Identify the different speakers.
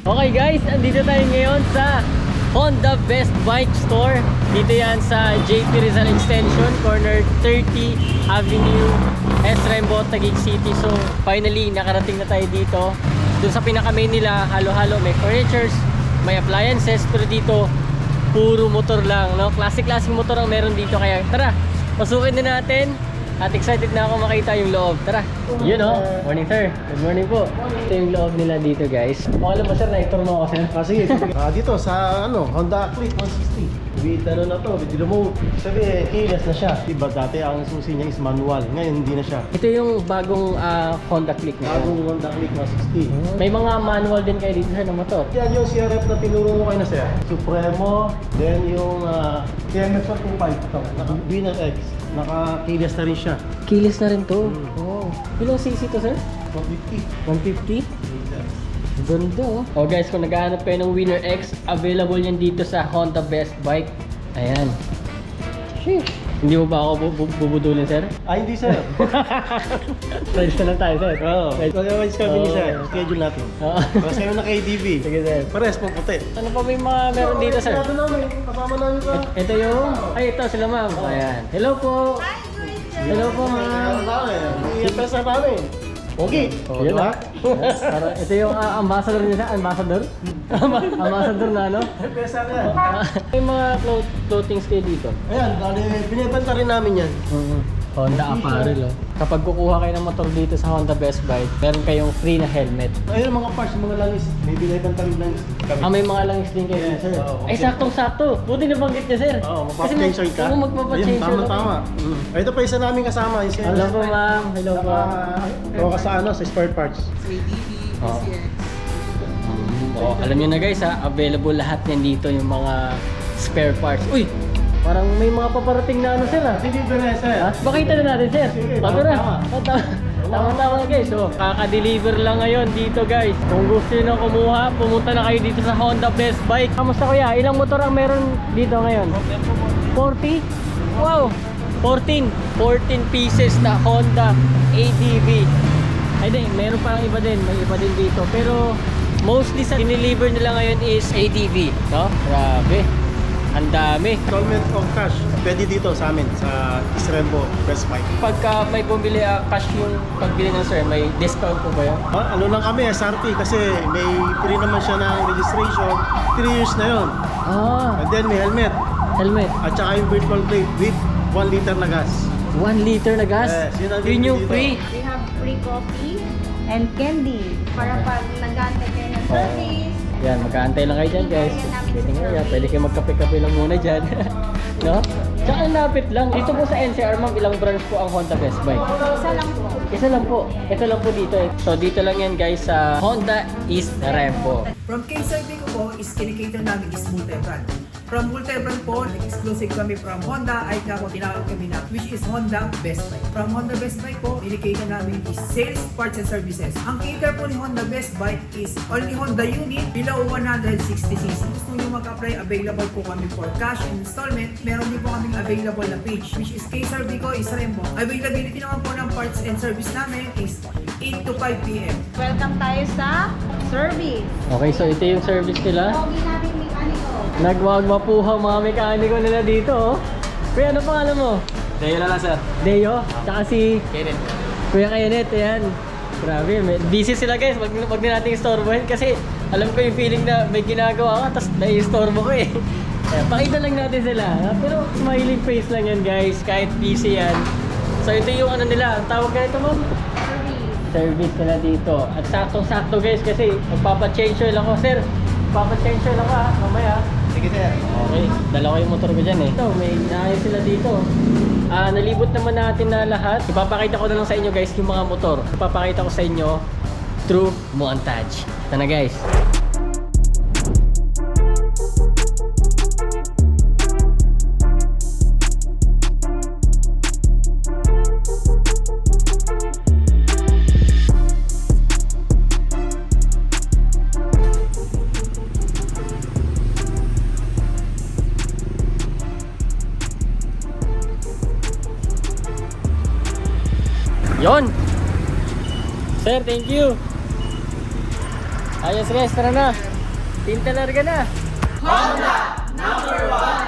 Speaker 1: Okay guys, andito tayo ngayon sa Honda Best Bike Store. Dito yan sa JP Rizal Extension, corner 30 Avenue, S. Rembo, Taguig City. So finally, nakarating na tayo dito. Doon sa pinaka-main nila, halo-halo, may furnitures, may appliances. Pero dito, puro motor lang, no? Classic motor ang meron dito. Kaya tara, pasukin na natin. At excited na ako makita yung loob. Tara. Yun o. Morning sir. Good morning po. Ito yung loob nila dito guys. Okay lang ba sir? Na-tour mo ako sir?
Speaker 2: Sige. Dito sa Honda Click 160. With na to, with remote. Sabi keyless na siya. Diba dati ang susi niya is manual. Ngayon hindi na siya.
Speaker 1: Ito yung bagong Honda Click na
Speaker 2: Bagong Honda Click 160.
Speaker 1: May mga manual din kayo dito sir ng motor.
Speaker 2: Yan yung CRF na tinuro mo kayo na sir. Supremo. Then yung TMX 125. Ito. Naka-Winner X. Naka-keyless na rin siya.
Speaker 1: Keyless na rin to. Oh. Ilang cc to sir?
Speaker 2: 150.
Speaker 1: 150? Ganda oh. Oh guys, kung naghahanap kayo ng Winner X, available yan dito sa Honda Best Bike. Ayan. Sheesh. Hindi mo ba ako bubudulin sir?
Speaker 2: Hindi sir.
Speaker 1: Friends na lang tayo sir.
Speaker 2: Oo. Otherwise kami ni sir. Schedule natin.
Speaker 1: Oo.
Speaker 2: Pares kayo na KDB.
Speaker 1: Sige sir.
Speaker 2: Pares po puti.
Speaker 1: Ano pa may mga meron dito sir?
Speaker 2: Ito namin. Kasama namin ka.
Speaker 1: Ito yung... Ay ito sila ma'am. Ayan. Hello po. Hello po ma'am.
Speaker 2: Iyan pa sa namin. Okay.
Speaker 1: Yun
Speaker 2: diba?
Speaker 1: Ito yung ambassador nila. Ambassador? Ambassador na ano?
Speaker 2: Pesa ka.
Speaker 1: May mga clothings kayo dito.
Speaker 2: Ayan, binibenta rin namin yan.
Speaker 1: Honda apparel oh. Kapag kukuha kayo ng motor dito sa Honda Best Bike, meron kayong free na helmet.
Speaker 2: Ayun mga parts, mga langis. May binibenta rin langis kami.
Speaker 1: May mga langis din kayo
Speaker 2: Yes,
Speaker 1: sir.
Speaker 2: oo.
Speaker 1: Ay saktong-sakto. Buti nabanggit niya sir.
Speaker 2: Oo, magpapatensyon ka.
Speaker 1: Oo, magpapatensyon.
Speaker 2: Ayun, tama. Ito pa isa namin kasama.
Speaker 1: Hello po ma'am. Hello po.
Speaker 2: Ito sa sa spare parts.
Speaker 1: Oh, alam niyo na guys ha, available lahat yan dito yung mga spare parts. Uy! Parang may mga paparating na ano sir ha?
Speaker 2: Sige, sir.
Speaker 1: Ha? Pakita na natin sir.
Speaker 2: Sige,
Speaker 1: Tama. Tama guys. So, kaka-deliver lang ngayon dito guys. Kung gusto niyo na kumuha, pumunta na kayo dito sa Honda Best Bike. Kamusta kuya? Ilang motor ang meron dito ngayon? 40? Wow! 14 pieces na Honda ADV. Ay din, meron parang iba din. May iba din dito. Pero mostly sa dineliver nila ngayon is ADV. No? Grabe. Ang dami.
Speaker 2: Installment of cash. Pwede dito sa amin, sa Isrembo Best Bike.
Speaker 1: Pagka may bumili cash yung pagbili ng sir, may discount po ba yun?
Speaker 2: Ano lang kami, SRP, kasi may free naman siya ng registration. 3 years na yun. And then may helmet. At saka yung virtual plate with 1 liter na gas.
Speaker 1: 1 liter na gas?
Speaker 2: Yes,
Speaker 1: yun yung
Speaker 2: dito.
Speaker 1: free.
Speaker 3: We have free coffee and candy para pag nag-aantay kayo ng service.
Speaker 1: Yan, magkaantay lang kayo dyan guys. Pwede kayo magkape-kape lang muna dyan. No? Tsaka ang lapit lang. Dito po sa NCR ma'am, ilang branch po ang Honda Best Bike?
Speaker 3: Isa lang po.
Speaker 1: Isa lang po. Ito lang po dito eh. So dito lang yan guys sa Honda East Rembo.
Speaker 4: From K-Survey ko po is kinikater namin is multi-brand. From multi-brand po, exclusive kami from Honda ay kako tinawag kami na which is Honda Best Bike. From Honda Best Bike po, kinikater namin is sales, parts and services. Ang cater po ni Honda Best Bike is only Honda unit below 160cc. Gusto nyo mag-apply, available po kami for cash and installment. Meron din po kaming available na page which is K-Survey ko is Rembo. Availability naman po ng parts and service namin is 8 to 5 p.m.
Speaker 3: Welcome tayo sa service.
Speaker 1: Okay, so ito yung service nila.
Speaker 3: Pogi namin mekaniko.
Speaker 1: Nagwagwapuhang mga mekaniko nila dito oh. Kuya, ano pangalan mo?
Speaker 5: Deo na lang sir.
Speaker 1: Deo? Tsaka si
Speaker 5: Kenneth.
Speaker 1: Kuya Kenneth, ayan. Grabe, busy sila guys. Wag na nating istorbohin kasi alam ko yung feeling na may ginagawa ka tapos nai-istorbo ko eh. Ayan, pakita lang natin sila. Pero smiling face lang yan guys, kahit busy yan. So ito yung ano nila, ang tawag ka ito ma'am? Service nila dito. At saktong-sakto guys kasi magpapa-change oil ako. Sir, magpapa-change oil ako ha, mamaya.
Speaker 5: Sige sir.
Speaker 1: Okay, dalawa yung motor ko dyan eh. Ito, may inaayos sila dito. Nalibot naman natin na lahat. Ipapakita ko na lang sa inyo guys yung mga motor. Ipapakita ko sa inyo through montage. Ito na guys. Yon. Sir, thank you. Ayos guys, tara na. Tinta larga na!
Speaker 4: Honda number 1!